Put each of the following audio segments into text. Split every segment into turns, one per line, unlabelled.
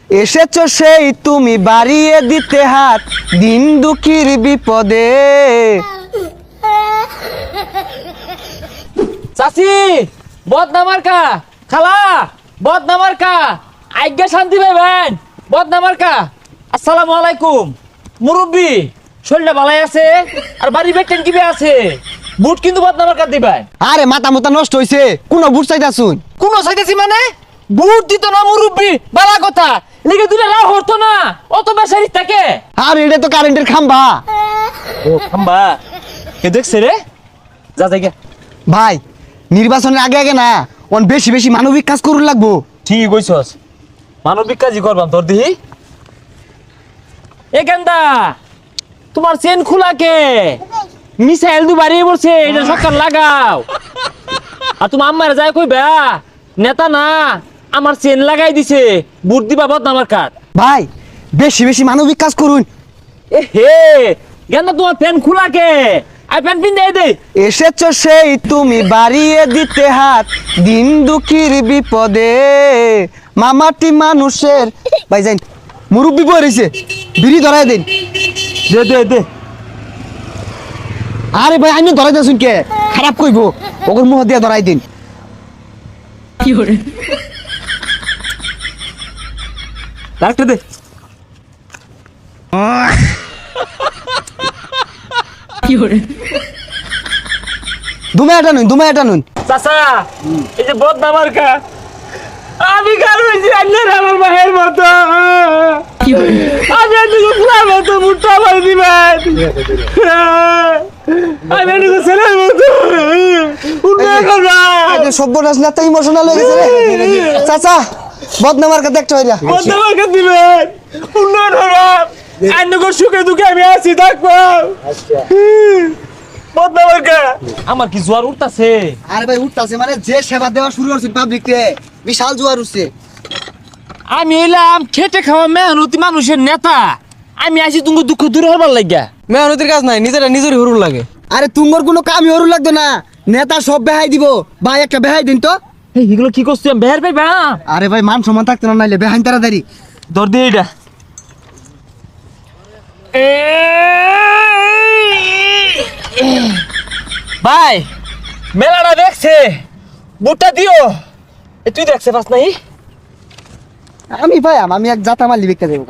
এসেছো সেই তুমি বাড়িয়ে দিতে হাত দিন দুঃখীর বিপদে।
চাচি বদনামার্কা, খালা বদনামার্কা, আজ্ঞা শান্তি পাইবেন বদনামার্কা। আসসালামু আলাইকুম। মুরব্বি শরীরটা ভালাই আছে আর বাড়ি বেটেন কিবে আছে? বুট কিন্তু বদনামার্কা দিবেন।
আরে মাথা মাথা নষ্ট হইছে, কোন বুট চাইতাছুন?
কোন চাইতেছি মানে বুট দিত না মুরব্বি, বালা কথা লিখে দিলে রাও হতো না, অত বেসারি থাকে।
আর এটা তো কারেন্টের খাম্বা।
ও খাম্বা, কে দেখছে রে? যা যাই
ভাই নির্বাচনের আগে আগে না অন বেশি বেশি মানবিক কাজ করুন লাগবো।
ঠিকই কইছস, মানবিক কাজই করবাম তোর দিহি। এ কেন্দা তোমার চেন খোলা কে? মিসাইল দু বাড়িয়ে পড়ছে, এটা সরকার লাগাও। আর তুমি আম্মারে যাই কইবা নেতা না আমার চেন লাগাই দিছে, বুট দিবা বদনামার কাট।
ভাই বেশি বেশি মানবিক কাজ করুন।
এ হে কেন্দা তোমার প্যান খোলা কে? আর প্যান পিন দেয় দে।
এসেছো সেই তুমি বাড়িয়ে দিতে হাত দিন দুঃখীর বিপদে। মামাটি মানুষের ভাই যাই মুরব্বি বই রয়েছে, বিড়ি ধরাই দিন।
দে দে দে।
আরে ভাই আমি ধরাই দিয়েছুন কে? খারাপ কইবো, ওগুর মুহ দিয়ে ধরাই দিন।
ডাক্তার দে।
দুমায়াটা নুন, দুমায়াটা নুন।
চাচা এই যে বদনামার কা আমি কার হইছি আন্নার আমার মায়ের মতো। আমি এদিকে ফুলার মতো মুঠটা মারি দিবেন, আমি এদিকে ছেলের মতো উন্নয়ন করবা।
সব্যনাশ না তো ইমোশনাল হয়ে গেছে রে। চাচা বদনামার কাছে একটা হইরা
বদনামার কা দিবেন, উন্নয়ন করবা। আন্নগর সুখে দুঃখে আমি আছি থাকবো। বদনামার কা আমার কি জোয়ার উঠতাছে?
আরে ভাই উঠতাছে মানে যে সেবা দেওয়া শুরু করছে পাবলিক রে, বিশাল জোয়ার উঠছে।
আমি এলাম খেটে খাওয়া মেহনতি মানুষের নেতা, আমি আসি তুমি দুঃখ দূর হবার লাগিয়া।
মেহনতির কাজ নাই, নিজেরা নিজেরই হরুর লাগে।
আরে তুঙ্গর কোনো কামই হরু লাগতো না, নেতা সব বেহাই দিব। ভাই একটা বেহাই দিন তো।
এগুলো কি করছি আমি বের পাইবা?
আরে ভাই মান সম্মান থাকতো না, নাইলে বেহাইন তাড়াতাড়ি
ধর দিয়ে এটা। ভাই মেলাটা দেখছে, বুটটা দিও। তুই দেখছে পাস নাই?
আমি ভাই আমি এক জাতা মালি বিকতে দেবো।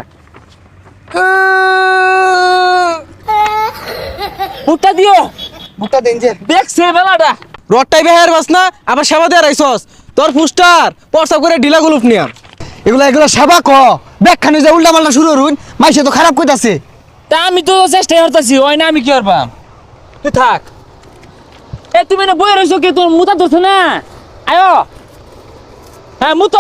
বুটটা দিও।
বুকটা দেন যে
দেখছে মেলাটা।
রডটাই বেহার বাস না, আবার সেবা দিয়ে রাইছস। তোর পুস্টার পরসা করে ঢিলা গুলুপ নিয়া।
এগুলা সেবা ক ব্যাখ্যানে যে উল্টা পাল্টা শুরু করুন, মাইসে তো খারাপ কইতাছে।
তা আমি তো চেষ্টা করতেছি, ওই না আমি কি করবাম? তুই থাক। এ তুমি না বই রইছো কি? তোর মুতা ধরছো না? আয়ো হ্যাঁ মুতো।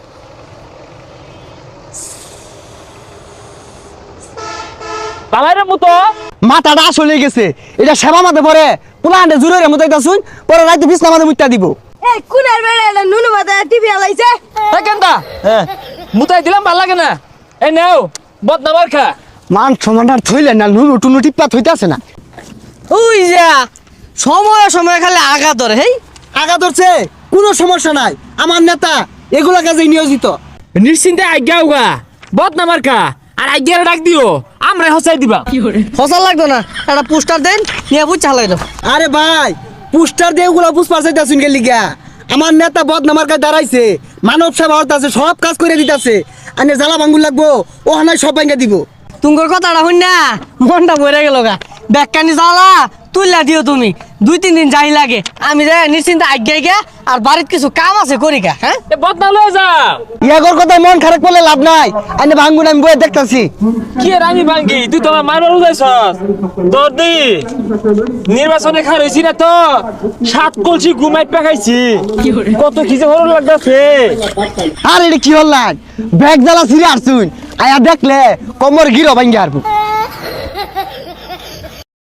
বাবাইরে মুতো।
মাথাটা আসলে গেছে, এটা সেবা মাঝে পরে পুলা আন্ডে জুড়ে রে মুতাইতা শুন, পরে রাইতে বিছনা মাঝে মুত্তা দিব।
এই কুনার বেড়া নুনু মাথা টিভি আলাইছে।
হ্যাঁ কেনটা? হ্যাঁ মুতাই দিলাম, ভাল লাগে না। এই নাও বদনামার খা।
মান সমানটা থইলেন না, নুনু টুনু টিপ্পা থইতাছে না।
ওই যা সময় সময় খালি আগা ধরে। হেই
আগা ধরছে, কোনো সমস্যা নাই। আমার নেতা এগুলা কাজে নিয়োজিত।
নিশ্চিন্তে আজ্ঞা উগা বদনামার খা, আর আজ্ঞারে ডাক দিও, আমরা হসাই দিবা।
ফসল লাগতো না, একটা পোস্টার দেন নিয়ে বুঝা লাগতো।
আরে ভাই পোস্টার দিয়ে ওগুলা পুষ্পার চাইতাছুন কে লিগা? আমার নেতা বদনামার কাছে দাঁড়াইছে, মানব সেবা হতাছে, সব কাজ করে দিতাছে। আনে জ্বালা ভাঙ্গুর লাগবো, ও হানায় সব ভাঙ্গা দিব।
তুঙ্গর কথাটা হইন না মনটা ভরে গেল গা। ব্যাগকানি জ্বালা তুইলা দিও তুমি, 2-3 দিন যাই লাগে। আমি যে নিশ্চিন্তে আজ্ঞাই গা, আর বাড়িতে কিছু কাম আছে করি গা। হ্যাঁ
এ বদনা লয়ে যাও।
ইয়াগর কথা মন খারাপ করলে লাভ নাই। আনে ভাঙ্গুন আমি বয়ে দেখতাছি।
কি আর আমি ভাঙ্গি? তুই তো আমার মারবার উদাইছস। তোর দি নির্বাচনে খার হইছি না তো 7 কলসি ঘুমাই পাকাইছি। কত কি যে হরণ লাগতাছে।
আর এটা কি হল্লান? ব্যাগ জ্বালা ছিঁড়ে আসছুন, আয়া দেখলে কোমর গিরো ভাঙ্গি আরবো।